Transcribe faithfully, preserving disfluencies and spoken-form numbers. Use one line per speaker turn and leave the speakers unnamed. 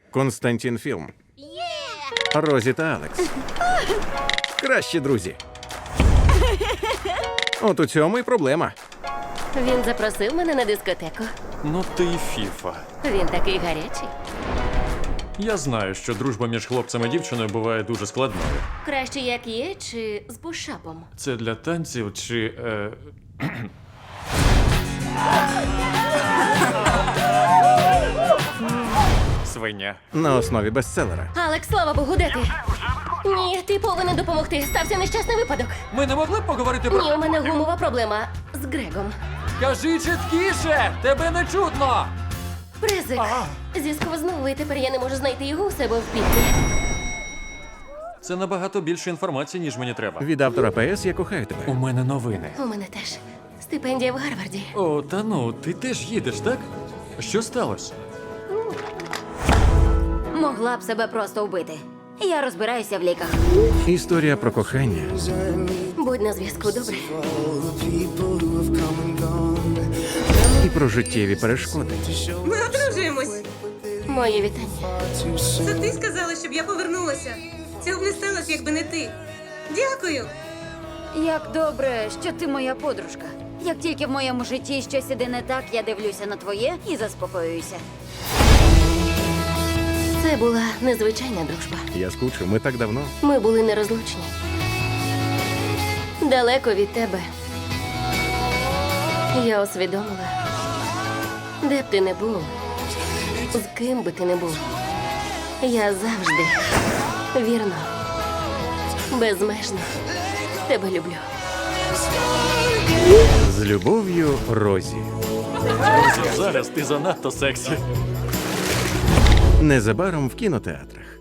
Константін Філм. Розі та Алекс. Кращі друзі. От у цьому і проблема.
Він запросив мене на дискотеку.
Ну ти й фіфа.
Він такий гарячий.
Я знаю, що дружба між хлопцем і дівчиною буває дуже складною.
Краще як є, чи з бушапом.
Це для танців чи. Е... Свиня.
На основі бестселера.
Алекс, слава Богу, де ти? Ні, ти повинен допомогти. Стався нещасний випадок.
Ми не могли б поговорити про.
Ні, у мене гумова проблема з Грегом.
Кажи чіткіше! Тебе не чутно!
Презик. Зісковзнув, і тепер я не можу знайти його у себе в пітлі.
Це набагато більше інформації, ніж мені треба.
Від автора П С «Я кохаю тебе».
У мене новини.
У мене теж. Стипендія в Гарварді.
О, та ну, ти теж їдеш, так? Що сталося?
Могла б себе просто вбити. Я розбираюся в ліках.
Історія про кохання
Будь на зв'язку, добре?
і про життєві перешкоди.
Ми одружуємось.
Мої вітання.
Це ти сказала, щоб я повернулася. Цього б не сталося, якби не ти. Дякую.
Як добре, що ти моя подружка. Як тільки в моєму житті щось іде не так, я дивлюся на твоє і заспокоююся.
Це була незвичайна дружба.
Я скучив, ми так давно.
Ми були нерозлучні. Далеко від тебе. Я усвідомила, де б ти не був, з ким би ти не був. Я завжди, вірно, безмежно тебе люблю.
З любов'ю, Розі.
Зараз ти занадто сексі.
Незабаром в кінотеатрах.